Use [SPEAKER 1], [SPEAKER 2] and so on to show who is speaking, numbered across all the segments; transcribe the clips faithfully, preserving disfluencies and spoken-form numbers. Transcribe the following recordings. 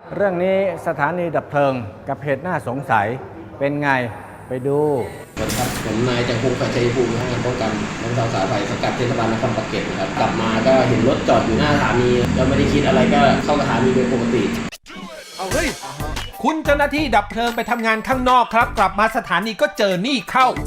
[SPEAKER 1] เรื่องนี้สถานีดับเพลิงกับเหตุน่าสงสัยเป็นไงไปดู
[SPEAKER 2] สวัสดีครับผมนายจังพงศ์ปัจจัยภูมิงานป้องกันและบรรเทาสาธารณภัยสังกัดเทศบาลนครปากเกร็ดนะครับกลับมาก็เห็นรถจอดอยู่หน้าสถานีแล้วไม่ได้คิดอะไรก็เข้าสถานีโดยปกติ
[SPEAKER 3] เอาเฮ้ยคุณเจ้าหน้าที่ดับเพลิงไปทำงานข้างนอกครับกลับมาสถานีก็เจอนี่เข้า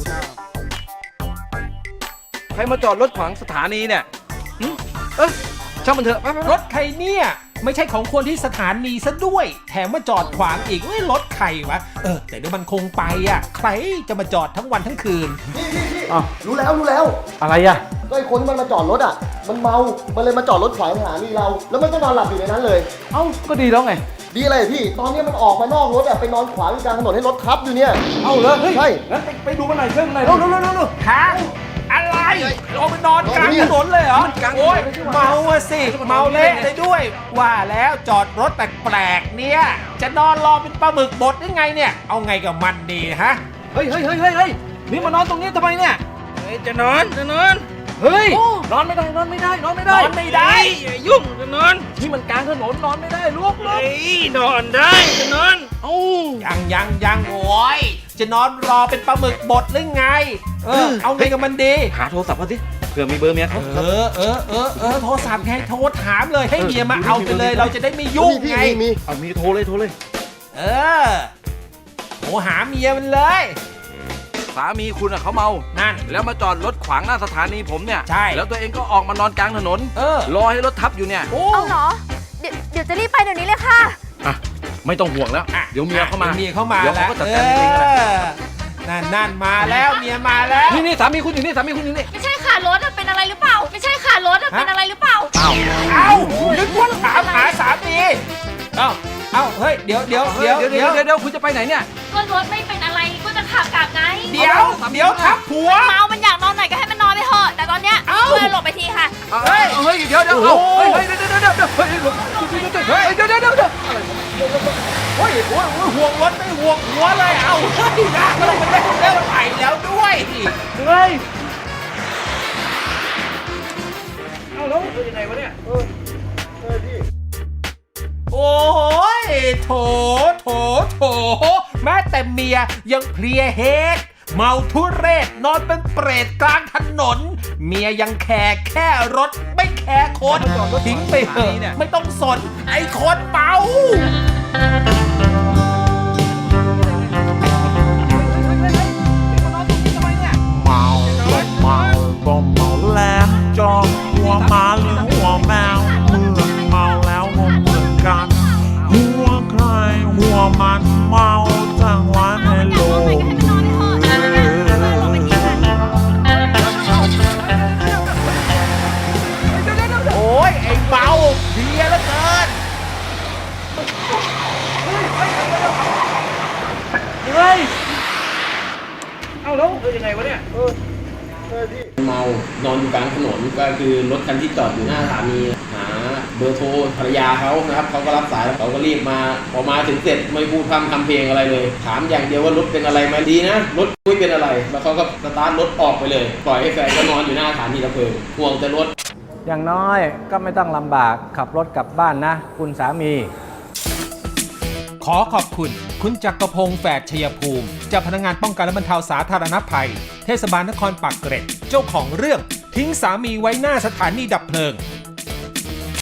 [SPEAKER 4] ใครมาจอดรถขวางสถานีเนี่ยเออช่างมันเถอะ
[SPEAKER 3] รถใครเนี่ยไม่ใช่ของคนที่สถานีซะด้วยแถมมาจอดขวางอีกเอ้ยรถใครวะเออแต่เดี๋ยวมันคงไปอ่ะใครจะมาจอดทั้งวันทั้งคืน
[SPEAKER 5] พี่พี่พี่รู้แล้วรู้แล้ว
[SPEAKER 1] อะไรอ่ะ
[SPEAKER 5] ก็ไอ้คนที่มันมาจอดรถอ่ะมันเมามันเลยมาจอดรถขวางสถานีเราแล้วมันก็นอนหลับอยู่ในนั้นเลย
[SPEAKER 1] เอ้าก็ดีแล้วไง
[SPEAKER 5] ดีอะไรพี่ตอนนี้มันออกมานอกรถอ่ะไปนอนขวางกลางถนนให้รถทับอยู่เนี่ย
[SPEAKER 1] เอ้าเลย
[SPEAKER 5] ใช่
[SPEAKER 1] งั้นไปดูมันหน่อยเพิ่มหน่อย
[SPEAKER 5] เร็วเร็วเร็วเร็ว
[SPEAKER 3] ฮะอะไรเราไปนอนกลางถนนเลยเหรอโอ้ยเมาอะสิเมาเละเลยด้วยว่าแล้วจอดรถแปลกๆเนี่ยจะนอนรอเป็นปลาหมึกบดยังไงเนี่ยเอาไงกับมันดีฮะ
[SPEAKER 4] เฮ้ยเฮ้ยเฮ้ยเฮ้ยนี่มานอนตรงนี้ทำไมเนี่ยเฮ้ยจะนอนจะนอนเฮ้ยนอนไม่ได้นอนไม่ได้นอนไม่ได้
[SPEAKER 3] นอนไม่ได้
[SPEAKER 4] อย่ายุ่งจะนอนนี่มันกลางถนนนอนไม่ได้ลุกลุกนอนได้จะนอน
[SPEAKER 3] เอ้ายังยังยังโอ้ยจะนอนรอเป็นปลาหมึกบดหรือไงเออเอาไงกับมันดี
[SPEAKER 4] หาโทรศัพท์มาสิเผื่อมีเบอร์เมียเขา
[SPEAKER 3] เออเออเออเออโทรศัพท์ไงโทรถามเลยให้เมียมาเอาไปเลยเราจะได้ไม่ยุ่งไง
[SPEAKER 5] มี
[SPEAKER 4] เอามีโทรเลยโทรเลย
[SPEAKER 3] เออโทรหาเมียมันเลย
[SPEAKER 4] สามีคุณอะเขาเมา
[SPEAKER 3] นั่น
[SPEAKER 4] แล้วมาจอดรถขวางหน้าสถานีผมเนี่ย
[SPEAKER 3] ใช่
[SPEAKER 4] แล้วตัวเองก็ออกมานอนกลางถนน
[SPEAKER 3] เออ
[SPEAKER 4] รอให้รถทับอยู่เนี่ย
[SPEAKER 6] เอาเหรอเดี๋ยวเดี๋ยวจะรีบไปเดี๋ยวนี้เลยค่ะ
[SPEAKER 4] อ่ะไม่ต้องห่วงแล้วเดี๋ยวเมียเข้ามา
[SPEAKER 3] เมียเข้ามา
[SPEAKER 4] แล้ว
[SPEAKER 3] เขา
[SPEAKER 4] ก็จัดการเอง
[SPEAKER 3] นั่นนั่นมาแล้วเมียมาแล้ว
[SPEAKER 4] นี่นี่สามีคุณอยู่นี่สามีคุณอยู่นี่
[SPEAKER 6] ไม่ใช่ค่ะรถเป็นอะไรหรือเปล่าไม่ใช่ค่ะรถเป็นอะไรหรือเปล่า
[SPEAKER 3] เอ้าเอ้านึกว่าถามหาสามีเอ้าเอ้าเฮ้ยเดี๋ยวเดี๋ยวเดี๋ยว
[SPEAKER 4] เดี๋ยวเดี๋ยวเดี๋ยวคุณจะไปไหนเนี่ย
[SPEAKER 6] ก็รถไม่เป็นอะไรก็จะขับกลับไง
[SPEAKER 3] เดี๋ยวเดี๋ยวทับผัว
[SPEAKER 6] เมามันอยากนอนไหนก็ให้มันนอนไปเถอะแต่ตอนเนี้ยเพื่อนหลบไปทีค่ะ
[SPEAKER 4] เฮ้ยเฮ้ยเดี๋ยวเดี๋ยวเฮ้ยเฮ้ยเดี๋ยวเดี๋ยวเดี๋ยวเฮ้ยเดี๋ยวเดี๋ยวเดี๋ยวเดี๋ยว
[SPEAKER 3] เฮ้ยโอ้ยห่วงรถไม่ห่วงหัวเลยเอ้าเฮ้ยนะเราไปเล่นเล่นไปแล้วด้วย
[SPEAKER 4] เฮ้ยเอาแล้วเป็นยังไงวะเนี่ยเออ
[SPEAKER 5] เออพี่
[SPEAKER 3] โอ้ยโถโถโถแม้แต่เมียยังเพลียเฮดเมาทุเรศนอนเป็นเปรตกลางถนนเมียยังแคร์แค่รถไม่แคร์คนทิ้งไปเถอะไม่ต้องสนไอ้คนเมา
[SPEAKER 7] เมาเมาบ่เมาแล้วจองหัวหมาหรือหัวแมวเมื่อเมาแล้วงงเหมือนกันหัวใครหัวมันเมาทั้งวันในโลก
[SPEAKER 3] โอ้ยไอ้เมาเพียแล้วเกิน
[SPEAKER 4] เฮ้ยเอาแล้วเป็นยังไงวะเนี่ย
[SPEAKER 2] เมานอนอยู่กลางถนนก็คือรถคันที่จอดอยู่หน้าสถานีหาเบอร์โทรภรรยาเขานะครับเขาก็รับสายเขาก็รีบมาพอมาถึงเสร็จไม่พูดพร่ำทำเพลงอะไรเลยถามอย่างเดียวว่ารถเป็นอะไรไหมดีนะรถไม่เป็นอะไรแล้วเขาก็สตาร์ทรถออกไปเลยปล่อยให้แฟนก็นอนอยู่หน้าสถานีดับเพลิงห่วงแต่รถ
[SPEAKER 1] อย่างน้อยก็ไม่ต้องลำบากขับรถกลับบ้านนะคุณสามี
[SPEAKER 3] ขอขอบคุณคุณจักรพงษ์แฝดชัยภูมิเจ้าพนักงานป้องกันและบรรเทาสาธารณภัยเทศบาลนครปากเกร็ดเจ้าของเรื่องทิ้งสามีไว้หน้าสถานีดับเพลิง